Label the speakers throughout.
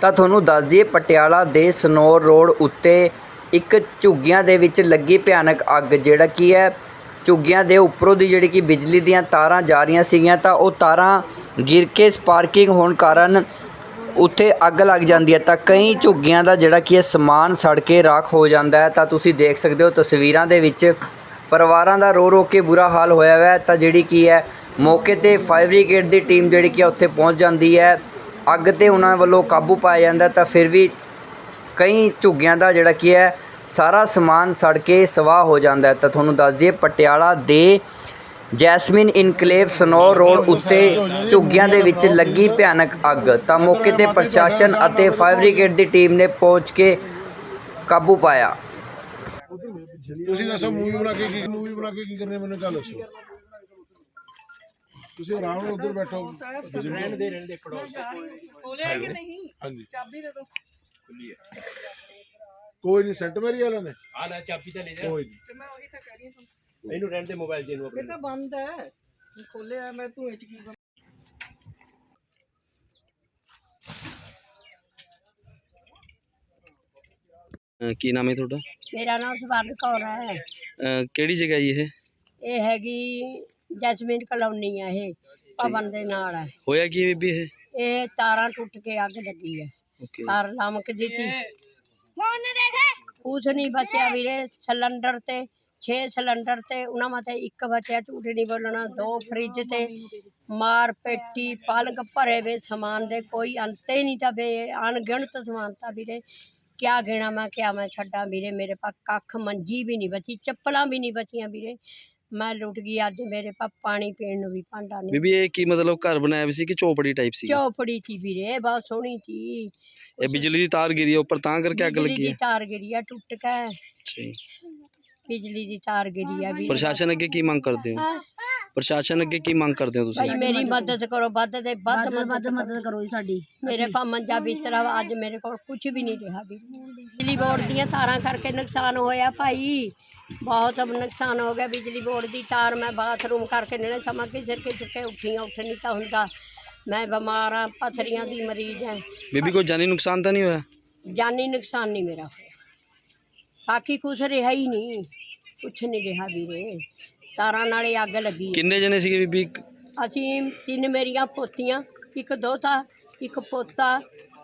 Speaker 1: ਤਾਂ ਤੁਹਾਨੂੰ ਦੱਸ ਦਈਏ ਪਟਿਆਲਾ ਦੇ ਸਨੌਰ ਰੋਡ ਉੱਤੇ ਇੱਕ ਝੁੱਗੀਆਂ ਦੇ ਵਿੱਚ ਲੱਗੀ ਭਿਆਨਕ ਅੱਗ, ਜਿਹੜਾ ਕੀ ਹੈ ਝੁੱਗੀਆਂ ਦੇ ਉੱਪਰੋਂ ਦੀ ਜਿਹੜੀ ਕਿ ਬਿਜਲੀ ਦੀਆਂ ਤਾਰਾਂ ਜਾ ਰਹੀਆਂ ਸੀਗੀਆਂ ਤਾਂ ਉਹ ਤਾਰਾਂ ਗਿਰ ਕੇ ਸਪਾਰਕਿੰਗ ਹੋਣ ਕਾਰਨ ਉੱਥੇ ਅੱਗ ਲੱਗ ਜਾਂਦੀ ਹੈ। ਤਾਂ ਕਈ ਝੁੱਗੀਆਂ ਦਾ ਜਿਹੜਾ ਕੀ ਹੈ ਸਮਾਨ ਸੜ ਕੇ ਰਾਖ ਹੋ ਜਾਂਦਾ ਹੈ। ਤਾਂ ਤੁਸੀਂ ਦੇਖ ਸਕਦੇ ਹੋ ਤਸਵੀਰਾਂ ਦੇ ਵਿੱਚ ਪਰਿਵਾਰਾਂ ਦਾ ਰੋ ਰੋ ਕੇ ਬੁਰਾ ਹਾਲ ਹੋਇਆ ਹੋਇਆ ਹੈ। ਤਾਂ ਜਿਹੜੀ ਕੀ ਹੈ ਮੌਕੇ 'ਤੇ ਫਾਇਰ ਬ੍ਰਿਗੇਡ ਦੀ ਟੀਮ ਜਿਹੜੀ ਕਿ ਉੱਥੇ ਪਹੁੰਚ ਜਾਂਦੀ ਹੈ, ਅੱਗ 'ਤੇ ਉਹਨਾਂ ਵੱਲੋਂ ਕਾਬੂ ਪਾਇਆ ਜਾਂਦਾ। ਤਾਂ ਫਿਰ ਵੀ ਕਈ ਝੁੱਗੀਆਂ ਦਾ ਜਿਹੜਾ ਕੀ ਹੈ ਸਾਰਾ ਸਮਾਨ ਸੜ ਕੇ ਸਵਾਹ ਹੋ ਜਾਂਦਾ ਹੈ। ਤਾਂ ਤੁਹਾਨੂੰ ਦੱਸ ਦਈਏ ਪਟਿਆਲਾ ਦੇ ਜੈਸਮੀਨ ਇਨਕਲੇਵ ਸਨੌਰ ਰੋਡ ਉੱਤੇ ਝੁੱਗੀਆਂ ਦੇ ਵਿੱਚ ਲੱਗੀ ਭਿਆਨਕ ਅੱਗ। ਤਾਂ ਮੌਕੇ 'ਤੇ ਪ੍ਰਸ਼ਾਸਨ ਅਤੇ ਫਾਇਰ ਬ੍ਰਿਗੇਡ ਦੀ ਟੀਮ ਨੇ ਪਹੁੰਚ ਕੇ ਕਾਬੂ ਪਾਇਆ।
Speaker 2: ਤੁਸੀਂ ਦੱਸੋ ਮੂਵੀ ਬਣਾ ਕੇ ਕੀ ਕਰਨੇ ਮੈਨੂੰ ਗੱਲ ਦੱਸੋ। ਤੁਸੀਂ ਆਰਾਮ ਨਾਲ ਉੱਧਰ ਬੈਠੋ। ਰਹਿਣ ਦੇ ਪੜੋਸ ਖੋਲਿਆ ਕਿ ਨਹੀਂ? ਹਾਂਜੀ ਚਾਬੀ ਦੇ ਦਿਓ। ਖੁੱਲੀ ਹੈ ਕੋਈ ਨਹੀਂ। ਸੈਂਟ ਮੇਰੀ ਵਾਲਿਆਂ ਨੇ ਆ ਲੈ ਚਾਬੀ ਤਾਂ ਲੈ ਜਾ। ਕੋਈ ਨਹੀਂ ਤੇ ਮੈਂ ਉਹੀ ਤਾਂ ਕਹਿ ਰਹੀ ਹਾਂ ਇਹਨੂੰ ਰਹਿਣ ਦੇ। ਮੋਬਾਈਲ ਦੇ ਨੂੰ ਆਪਣੇ ਤਾਂ ਬੰਦ ਹੈ। ਖੋਲਿਆ ਮੈਂ ਧੂਏ ਚ ਕੀ
Speaker 3: ਕੀ ਨਾਮ ਹੈ ਤੁਹਾਡਾ?
Speaker 4: ਮੇਰਾ ਨਾਮ ਸਵਰਨ ਕੌਰ ਹੈ।
Speaker 3: ਕਿਹੜੀ ਜਗ੍ਹਾ ਜੀ
Speaker 4: ਇਹ ਹੈਗੀ ਜੈਸਮੀਨ ਕਲੋਨੀ ਹੈ। ਇਹ ਭਵਨ ਦੇ ਨਾਲ ਹੈ।
Speaker 3: ਹੋਇਆ ਕੀ ਬੀਬੀ
Speaker 4: ਇਹ ਤਾਰਾਂ ਟੁੱਟ ਕੇ ਅੱਗ ਲੱਗੀ ਹੈ। ਤਾਰ ਲਮਕਦੀ ਸੀ। ਕੁਛ ਨਹੀਂ ਬਚਿਆ ਵੀਰੇ। ਸਿਲੰਡਰ ਤੇ 6 ਸਿਲੰਡਰ ਤੇ ਉਹਨਾਂ ਮਤੇ ਇੱਕ ਬਚਿਆ। ਝੂਠ ਨਹੀਂ ਬੋਲਣਾ। 2 ਫਰਿੱਜ ਤੇ ਮਾਰ ਪੇਟੀ ਪਲਕ ਭਰੇ ਵੇ ਸਮਾਨ ਦੇ ਕੋਈ ਅੰਤ ਹੀ नहीं था। बे अनगिनत समान था ਵੀਰੇ। क्या गिना मैं क्या मैं छड्डा ਵੀਰੇ। मेरे पास कख मंजी भी नहीं बची, चप्पलां भी नहीं बचियां ਵੀਰੇ। मैं लुट गई। अज मेरे पास पानी पीने ਨੂੰ भी भांडा नहीं।
Speaker 3: ਬੀਬੀ ਇਹ ਕੀ ਮਤਲਬ ਘਰ ਬਣਾਇਆ ਵੀ ਸੀ ਕਿ ਝੋਪੜੀ ਟਾਈਪ ਸੀ?
Speaker 4: चौपड़ी थी ਵੀਰੇ, बहुत सोहनी थी।
Speaker 3: ਇਹ ਬਿਜਲੀ ਦੀ ਤਾਰ ਗਿਰੀ ਹੈ ਉੱਪਰ ਤਾਂ ਕਰਕੇ ਅੱਗ
Speaker 4: बिजली
Speaker 3: ਲੱਗੀ
Speaker 4: दी
Speaker 3: ਹੈ?
Speaker 4: तार गिरी है टुट के।
Speaker 3: ਅੱਛਾ ਜੀ।
Speaker 4: बिजली दी तार गिरी है ਵੀਰੇ।
Speaker 3: ਪ੍ਰਸ਼ਾਸਨ ਅੱਗੇ ਕੀ ਮੰਗ ਕਰਦੇ ਹੋ? ਪ੍ਰਸ਼ਾਸਨ ਅੱਗੇ ਕੀ ਮੰਗ ਕਰਦੇ ਹੋ ਤੁਸੀਂ?
Speaker 4: भाई मेरी मदद करो, ਵੱਧ ਤੇ ਵੱਧ मदद करो साडी। मेरे पा मंजा बिस्तरा अज मेरे को कुछ भी नहीं रहा भी। बिजली बोर्ड ਦੀਆਂ ਤਾਰਾਂ ਕਰਕੇ ਨੁਕਸਾਨ ਹੋਇਆ ਭਾਈ, बहुत अब नुकसान हो गया। बिजली बोर्ड की तार मैं बाथरूम करके नहीं समा के सिर के चुके उठियाँ उठ नहीं तो होंगे। मैं बीमार हाँ, पथरियाँ की मरीज है।
Speaker 3: ਬੀਬੀ ਕੋਈ ਜਾਨੀ ਨੁਕਸਾਨ ਤਾਂ ਨਹੀਂ ਹੋਇਆ?
Speaker 4: जानी नुकसान नहीं मेरा होया। बाकी कुछ रहा ही नहीं, कुछ नहीं रहा ਵੀਰੇ। ਤਾਰਾਂ नाले अग लगी।
Speaker 3: ਕਿੰਨੇ ਜਣੇ ਸੀਗੇ ਬੀਬੀ?
Speaker 4: ਅਸੀਂ 3 ਮੇਰੀਆਂ ਪੋਤੀਆਂ, ਇੱਕ ਦੋਤਾ, ਇੱਕ ਪੋਤਾ,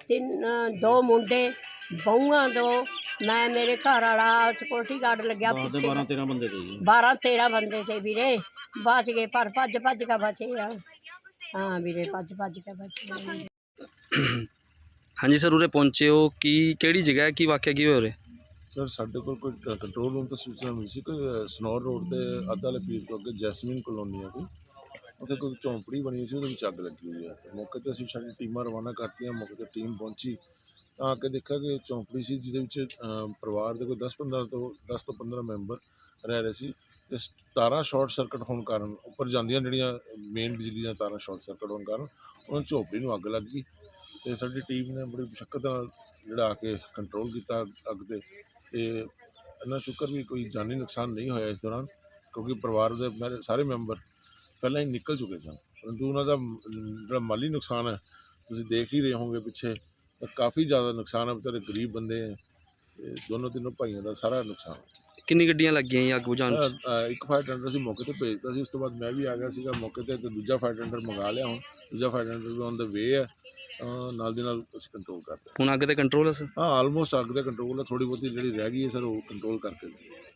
Speaker 4: 2 ਮੁੰਡੇ, ਬਹੂਆਂ 2, मैं मेरे घर वाला सिक्योरिटी गार्ड लग्या। 12-13 ਬੰਦੇ ਤੇ 12-13 ਬੰਦੇ ਤੇ ਵੀਰੇ। बच गए पर भज के बचे आ। हाँ ਵੀਰੇ भज के बचे।
Speaker 3: ਹਾਂਜੀ ਸਰ, ਉਰੇ ਪਹੁੰਚੇ ਹੋ ਕੀ ਕਿਹੜੀ ਜਗ੍ਹਾ ਹੈ, ਕੀ ਵਾਕਿਆ ਕੀ ਹੋਇਆ ਉਰੇ?
Speaker 2: ਸਰ ਸਾਡੇ ਕੋਲ ਕੋਈ ਕੰਟਰੋਲ ਰੂਮ ਤੋਂ ਸੂਚਨਾ ਮਿਲੀ ਸੀ ਕਿ ਸਨੌਰ ਰੋਡ ਤੇ ਅੱਧਾ ਵਾਲੇ ਪੀਰ ਤੋਂ ਅੱਗੇ ਜੈਸਮੀਨ ਕਲੋਨੀ ਆ ਕੋਈ, ਉੱਥੇ ਕੋਈ ਝੌਂਪੜੀ ਬਣੀ ਸੀ, ਉਹਦੇ ਵਿੱਚ ਅੱਗ ਲੱਗੀ ਹੋਈ ਹੈ। ਮੌਕੇ 'ਤੇ ਅਸੀਂ ਸਾਡੀ ਟੀਮਾਂ ਰਵਾਨਾ ਕਰਤੀਆਂ। ਮੌਕੇ 'ਤੇ ਟੀਮ ਪਹੁੰਚੀ ਤਾਂ ਆ ਕੇ ਦੇਖਿਆ ਕਿ ਝੌਂਪੜੀ ਸੀ ਜਿਹਦੇ ਵਿੱਚ ਪਰਿਵਾਰ ਦੇ ਕੋਈ 10 ਤੋਂ 15 ਮੈਂਬਰ ਰਹਿ ਰਹੇ ਸੀ। ਤੇ ਤਾਰਾਂ ਸ਼ਾਰਟ ਸਰਕਟ ਹੋਣ ਕਾਰਨ ਉੱਪਰ ਜਾਂਦੀਆਂ ਜਿਹੜੀਆਂ ਮੇਨ ਬਿਜਲੀ ਦੀਆਂ ਤਾਰਾਂ ਸ਼ਾਰਟ ਸਰਕਟ ਹੋਣ ਕਾਰਨ ਉਹਨਾਂ ਝੌਂਪੜੀ ਨੂੰ ਅੱਗ ਲੱਗ ਗਈ। ਅਤੇ ਸਾਡੀ ਟੀਮ ਨੇ ਬੜੀ ਮੁਸ਼ੱਕਤ ਨਾਲ ਜਿਹੜਾ ਆ ਕੇ ਕੰਟਰੋਲ ਕੀਤਾ ਅੱਗ 'ਤੇ। ਅਤੇ ਇੰਨਾ ਸ਼ੁਕਰ ਵੀ ਕੋਈ ਜਾਨੀ ਨੁਕਸਾਨ ਨਹੀਂ ਹੋਇਆ ਇਸ ਦੌਰਾਨ, ਕਿਉਂਕਿ ਪਰਿਵਾਰ ਦੇ ਮੇਰੇ ਸਾਰੇ ਮੈਂਬਰ ਪਹਿਲਾਂ ਹੀ ਨਿਕਲ ਚੁੱਕੇ ਸਨ। ਪਰੰਤੂ ਉਹਨਾਂ ਦਾ ਜਿਹੜਾ ਮਾਲੀ ਨੁਕਸਾਨ ਹੈ ਤੁਸੀਂ ਦੇਖ ਹੀ ਰਹੇ ਹੋਗੇ ਪਿੱਛੇ, ਕਾਫੀ ਜ਼ਿਆਦਾ ਨੁਕਸਾਨ ਹੈ। ਵਿਚਾਰੇ ਗਰੀਬ ਬੰਦੇ ਹੈ, ਦੋਨੋਂ ਤਿੰਨੋਂ ਭਾਈਆਂ ਦਾ ਸਾਰਾ ਨੁਕਸਾਨ।
Speaker 3: ਕਿੰਨੀ ਗੱਡੀਆਂ ਲੱਗੀਆਂ ਜੀ ਅੱਗ ਬੁਝਾਉਣ 'ਚ?
Speaker 2: ਇੱਕ ਫਾਇਰ ਟੈਂਡਰ ਅਸੀਂ ਮੌਕੇ 'ਤੇ ਭੇਜਤਾ ਸੀ। ਉਸ ਤੋਂ ਬਾਅਦ ਮੈਂ ਵੀ ਆ ਗਿਆ ਸੀਗਾ ਮੌਕੇ 'ਤੇ, ਅਤੇ ਦੂਜਾ ਫਾਇਰ ਟੈਂਡਰ ਮੰਗਾ ਲਿਆ। ਹੁਣ ਦੂਜਾ ਫਾਇਰ ਟੈਂਡਰ ਵੀ ਔਨ ਦਾ ਵੇ ਹੈ। ਨਾਲ ਦੀ ਨਾਲ ਅਸੀਂ ਕੰਟਰੋਲ ਕਰਦੇ।
Speaker 3: ਹੁਣ ਅੱਗ 'ਤੇ ਕੰਟਰੋਲ ਹੈ ਸਰ?
Speaker 2: ਹਾਂ, ਆਲਮੋਸਟ ਅੱਗ ਦਾ ਕੰਟਰੋਲ ਹੈ। ਥੋੜ੍ਹੀ ਬਹੁਤੀ ਜਿਹੜੀ ਰਹਿ ਗਈ ਹੈ ਸਰ ਉਹ ਕੰਟਰੋਲ ਕਰਕੇ